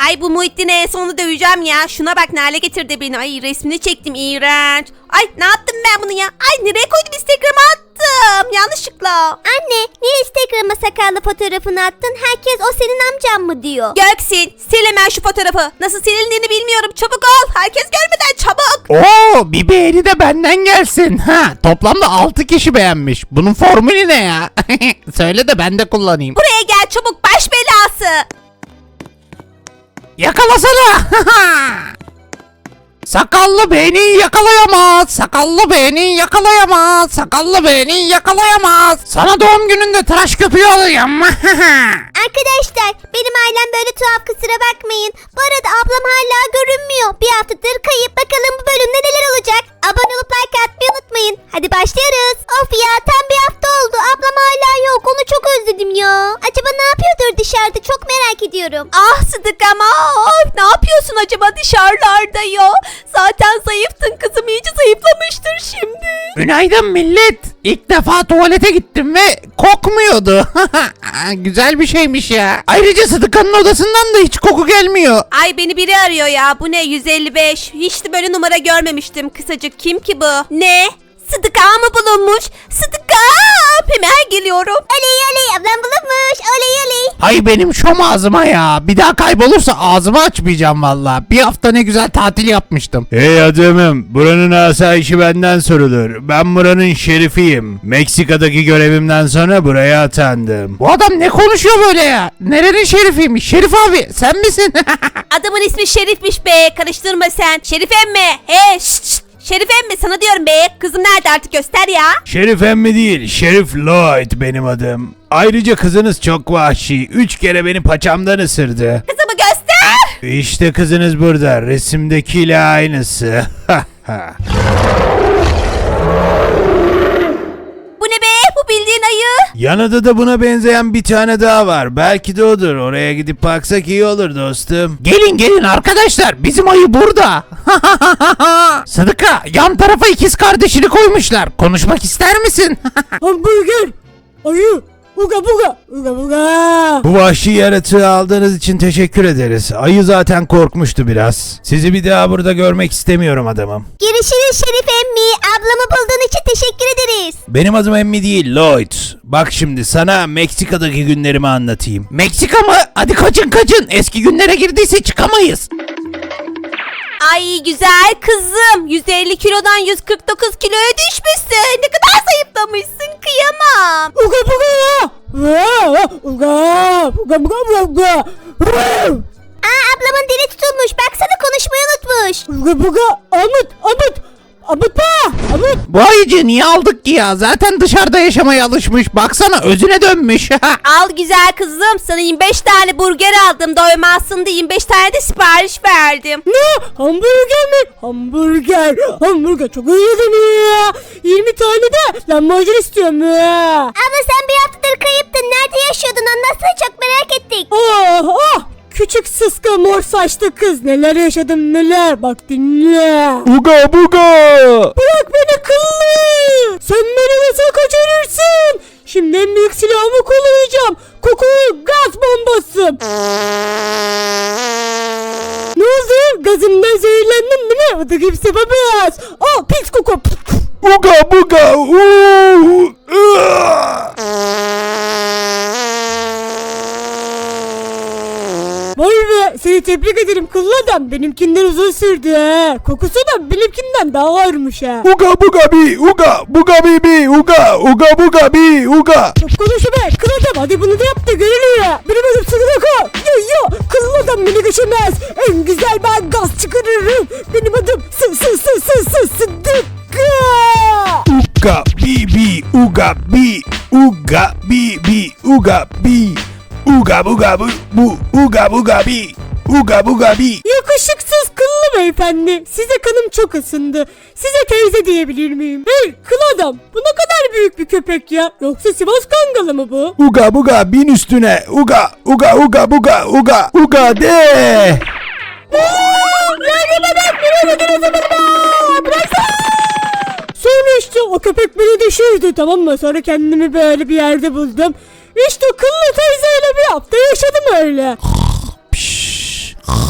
Ay bu Muhittin'i en sonunda döveceğim ya. Şuna bak ne hale getirdi beni. Ay resmini çektim iğrenç. Ay ne yaptım ben bunu ya? Ay nereye koydum, Instagram'a attım yanlışlıkla. Anne niye Instagram'a sakallı fotoğrafını attın? Herkes o senin amcan mı diyor. Göksin sil hemen şu fotoğrafı. Nasıl silindiğini bilmiyorum. Çabuk ol. Herkes görmeden çabuk. Oo, bir beğeni de benden gelsin. Ha, toplamda 6 kişi beğenmiş. Bunun formülü ne ya? Söyle de ben de kullanayım. Buraya gel çabuk, baş belası. Yakalasana. Sakallı beni yakalayamaz. Sakallı beni yakalayamaz. Sakallı beni yakalayamaz. Sana doğum gününde tıraş köpüğü alayım. Arkadaşlar benim ailem böyle tuhaf, kusura bakmayın. Bu arada ablam hala görünmüyor. Bir haftadır kayıp, bakalım bu bölümde neler olacak. Abone olup like atmayı unutmayın. Hadi başlıyoruz. Of ya, tam bir hafta oldu. Ablam hala yok, onu çok özledim ya. Acaba ne yapıyordur dışarıda, çok merak ediyorum. Ah Sıdık ama ne yapıyorsun acaba dışarılarda ya? Zaten zayıftın kızım, iyice zayıflamıştır şimdi. Günaydın millet. İlk defa tuvalete gittim ve kokmuyordu. Güzel bir şeymiş ya. Ayrıca Sıdıkan'ın odasından da hiç koku gelmiyor. Ay beni biri arıyor ya, bu ne 155, hiç de böyle numara görmemiştim. Kısacık kim ki bu? Ne? Sıdıka mı bulunmuş? Sıdıka, hemen geliyorum. Oley oley, ablam bulunmuş. Oley oley. Ay benim şom ağzıma ya. Bir daha kaybolursa ağzımı açmayacağım valla. Bir hafta ne güzel tatil yapmıştım. Hey adamım, buranın asayişi benden sorulur. Ben buranın şerifiyim. Meksika'daki görevimden sonra buraya atandım. Bu adam ne konuşuyor böyle ya? Nerenin şerifiymiş? Şerif abi sen misin? Adamın ismi Şerif'miş be, karıştırma sen. Şerif emmi, şşt. Şerif emmi sana diyorum be, kızım nerede artık göster ya. Şerif emmi değil, Şerif Lloyd benim adım. Ayrıca kızınız çok vahşi. 3 kere beni paçamdan ısırdı. Kızımı göster. İşte kızınız burada, resimdekiyle aynısı. Bu ne be, bu bildiğin ayı. Yanında da buna benzeyen bir tane daha var. Belki de odur. Oraya gidip baksak iyi olur dostum. Gelin gelin arkadaşlar, bizim ayı burada. Sıdıka, yan tarafa ikiz kardeşini koymuşlar. Konuşmak ister misin? Hamburger, ayı, uga buga, uga buga. Bu vahşi yaratığı aldığınız için teşekkür ederiz. Ayı zaten korkmuştu biraz. Sizi bir daha burada görmek istemiyorum adamım. Görüşürüz Şerif emmi. Ablamı bulduğun için teşekkür ederiz. Benim adım Emmi değil, Lloyd. Bak şimdi sana Meksika'daki günlerimi anlatayım. Meksika mı? Hadi kaçın kaçın. Eski günlere girdiyse çıkamayız. Ay güzel kızım, 150 kilodan 149 kiloya düşmüşsün. Ne kadar zayıflamışsın, kıyamam. Uga buga, uga, uga buga buga. Aa, ablamın dili tutulmuş. Baksana, konuşmayı unutmuş. Uga buga, Amut. Bu ayıcı niye aldık ki ya? Zaten dışarıda yaşamaya alışmış. Baksana özüne dönmüş. Al güzel kızım, sana 25 tane burger aldım, doymazsın diye 25 tane de sipariş verdim. Ne? Hamburger mi? Hamburger çok iyi yedim ya. 20 tane de lahmacun istiyorum ya. Abla sen bir haftadır kayıptın. Nerede yaşıyordun? Anlatsana, çok merak ettik. Küçük sıska mor saçlı kız, neler yaşadım neler, bak dinle. Uga buga! Bırak beni kıllı. Sen beni nasıl kaçırırsın? Şimdi en büyük silahımı kullanacağım. Kokulu gaz bombası. Ne oldu? Gazımdan zehirlendin değil mi? O da kimse yapamaz. Pis koku. Uga buga! Vay be, seni tebrik ederim kıllı adam. Benimkinden uzun sürdü ha. Kokusu da benimkinden daha ağırmış ha. Uga buga bi! Uga buga bi bi! Uga! Uga buga bi! Uga! Çok konuşma be kıl adam, hadi bunu da yap da görelim ya. Benim adım Sıdıka. Yo kıllı adam beni geçemez. En güzel ben gaz çıkarırım. Benim adım Sıdıka. Uga bi bi! Uga bi! Uga bi bi! Uga bi! Uga buga bu! Uga buga bi! Uga buga bi! Yakışıksız kıllı beyefendi. Size kanım çok ısındı. Size teyze diyebilir miyim? Hey kıl adam, bu ne kadar büyük bir köpek ya. Yoksa Sivas Kangalı mı bu? Uga buga bin üstüne! Uga! Uga uga buga! Uga! Uga de! Sonra işte o köpek beni düşürdü, tamam mı? Sonra kendimi böyle bir yerde buldum. İşte kıllı teyzeyle bir hafta yaşadım öyle.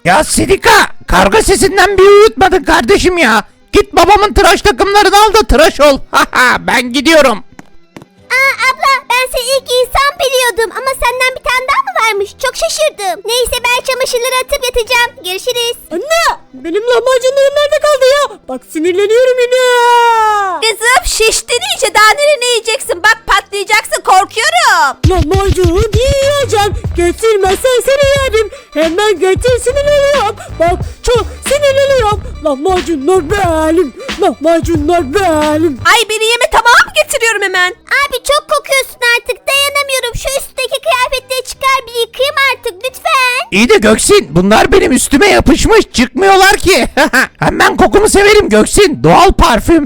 Ya Sidika, karga sesinden bir uyutmadın kardeşim ya. Git babamın tıraş takımlarını al da tıraş ol. Haha, ben gidiyorum. Aa abla, ben seni ilk insan biliyordum ama senden bir tane daha mı varmış? Çok şaşırdım. Neyse, ben çamaşırları atıp yatacağım. Görüşürüz. Anne benim lahmacunlarım nerede kaldı ya? Bak sinirleniyorum yine. Kızım şiştin iyice, daha ne yiyeceksin? Bak patlayacaksın, korkuyorum. Lahmacun yiyeceğim. Getirmezsen seni yerim. Hemen getir, sinirleniyorum. Bak çok sinirleniyorum. Lahmacunlar benim. Lahmacunlar benim. Ay beni yeme, tamam getiriyorum hemen. Abi çok kokuyorsun artık, dayanamıyorum. Şu üstteki kıyafetleri çıkar, bir yıkayayım artık lütfen. İyi de Göksin, bunlar benim üstüme yapışmış, çıkmıyorlar ki. Hem ben kokumu severim Göksin, doğal parfüm.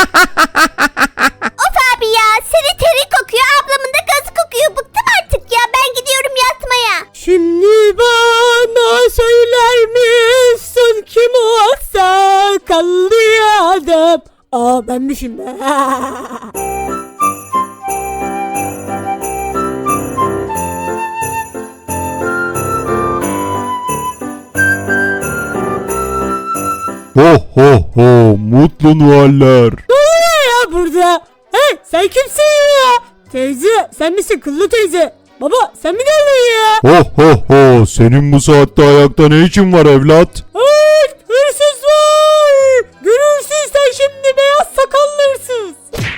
Of abi ya, senin terin kokuyor, ablamın da gazı kokuyor. Bıktım artık ya, ben gidiyorum yatmaya. Şimdi bana söyler misin kim o sakallı adam? Aa benmişim be. Ho ho ho, mutlu Noeller. Ne oluyor ya burada? Hey sen kimsin ya? Teyze sen misin kıllı teyze? Baba sen mi geldin ya? Ho ho ho, senin bu saatte ayakta ne işin var evlat? Hey hırsız var. Görürsün sen şimdi beyaz sakallı hırsız.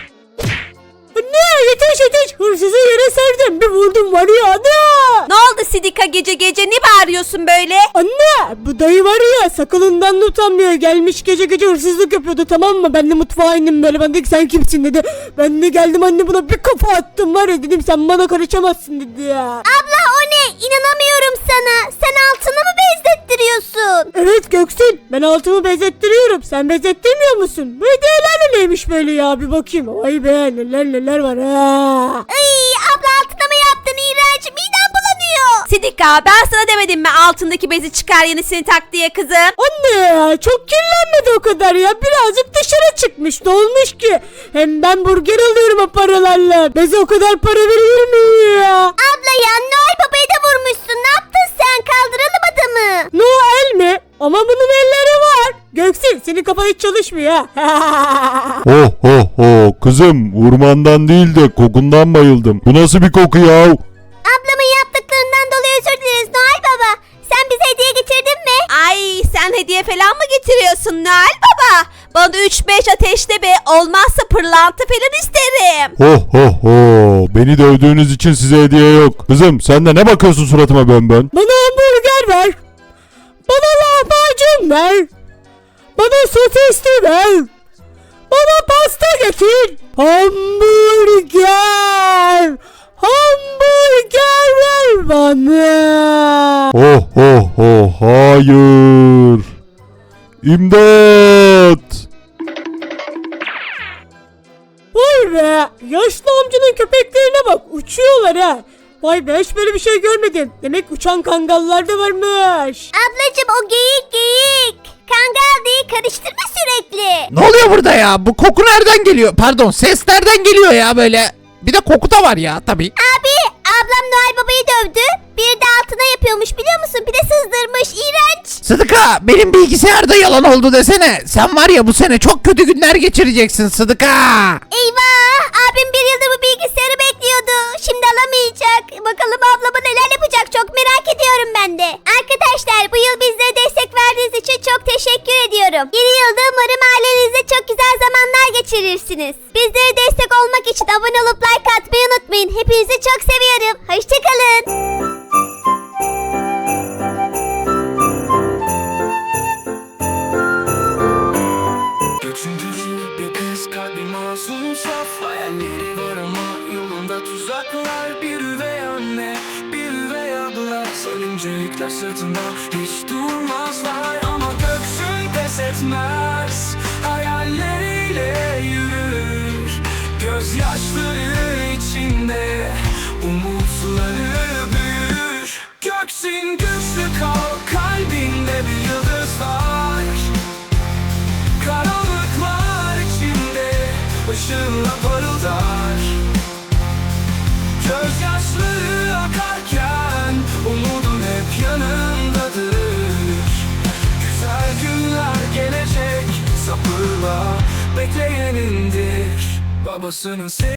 Anne yetiş hırsızı yere serdim bir vurdum var ya ana. Ne oldu Sidika, gece gece ne bağırıyorsun böyle? Anne bu dayı var ya sakalından da utanmıyor, gelmiş gece gece hırsızlık yapıyordu tamam mı? Ben de mutfağa indim böyle, ben dedim ki sen kimsin dedi. Ben de geldim anne buna bir kafa attım var ya, dedim sen bana karışamazsın dedi ya. Abla o ne? İnanamıyorum sana. Sen altını mı benzettiriyorsun? Evet Göksin ben altımı benzettiriyorum, sen benzettirmiyor musun? Bu hediyeler de neymiş böyle ya, bir bakayım. Vay be neler var ha. Ay abla, altına mı yaptın? İğrenç, midem bulanıyor. Sidika, ben sana demedim mi altındaki bezi çıkar yenisini tak diye kızım? Anne ya çok kirlenmedi o kadar ya, birazcık dışarı çıkmış, dolmuş ki. Hem ben burger alıyorum o paralarla, beze o kadar para verilir mi ya? Abla ya, Noel Baba'yı da vurmuşsun. Ne yaptın sen? Kaldıralım adamı. Noel mi? Ama bunun elleri var. Göksin senin kafan hiç çalışmıyor ha. Ho ho ho, kızım vurmandan değil de kokundan bayıldım. Bu nasıl bir koku ya? Ablamın yaptıklarından dolayı özür dileriz Noel Baba. Sen bize hediye getirdin mi? Ay sen hediye falan mı getiriyorsun Noel Baba? Bana da 3-5 ateşte be, olmazsa pırlanta falan isterim. Ho ho ho, beni dövdüğünüz için size hediye yok. Kızım sen de ne bakıyorsun suratıma bön? Bana hamburger ver. Bana lahmacun ver. Bana sosisli ver. Bana pasta getir. Hamburger. Hamburger ver bana. Ho ho ho, hayır. İmdat. Vay be. Yaşlı amcanın köpeklerine bak. Uçuyorlar ha. Vay be hiç böyle bir şey görmedim. Demek uçan kangallar da varmış. Ablacım o geyik. Kangal değil, karıştırma sürekli. Ne oluyor burada ya? Bu koku nereden geliyor? Pardon, ses nereden geliyor ya böyle? Bir de koku da var ya tabii. Abi ablam Noel Baba'yı dövdü. Bir de altına yapıyormuş biliyor musun? Bir de sızdırmış. İğrenç. Sıdıka, benim bilgisayarda yalan oldu desene. Sen var ya bu sene çok kötü günler geçireceksin Sıdıka. Eyvah, abim bir yıldır bu bilgisayarı bekliyordu. Şimdi alamayacak. Bakalım ablama neler yapacak, çok merak ediyorum ben de. Arkadaşlar bu yıl bizlere destek verdiğiniz için çok teşekkür ediyorum. Yeni yılda umarım ailenizle çok güzel zamanlar geçirirsiniz. Bizlere destek olmak için abone olup like atmayı unutmayın. Hepinizi çok seviyorum. Hoşçakalın. Üçüncü bir kız, kalbi masum saf. Hayalleri var ama yolunda tuzaklar. Bir üvey anne, bir üvey abla. Sarınca yükler sırtında, hiç durmazlar. Ama göksün pes etmez, hayalleriyle yürür. Gözyaşları içinde umutları büyür. Göksin güçlü kal, kalbinde bir yıldız var. Karanlıklar içinde ışığınla parıldar. Gözyaşları akarken umudun hep yanındadır. kapıla bekleyenindir. Babasının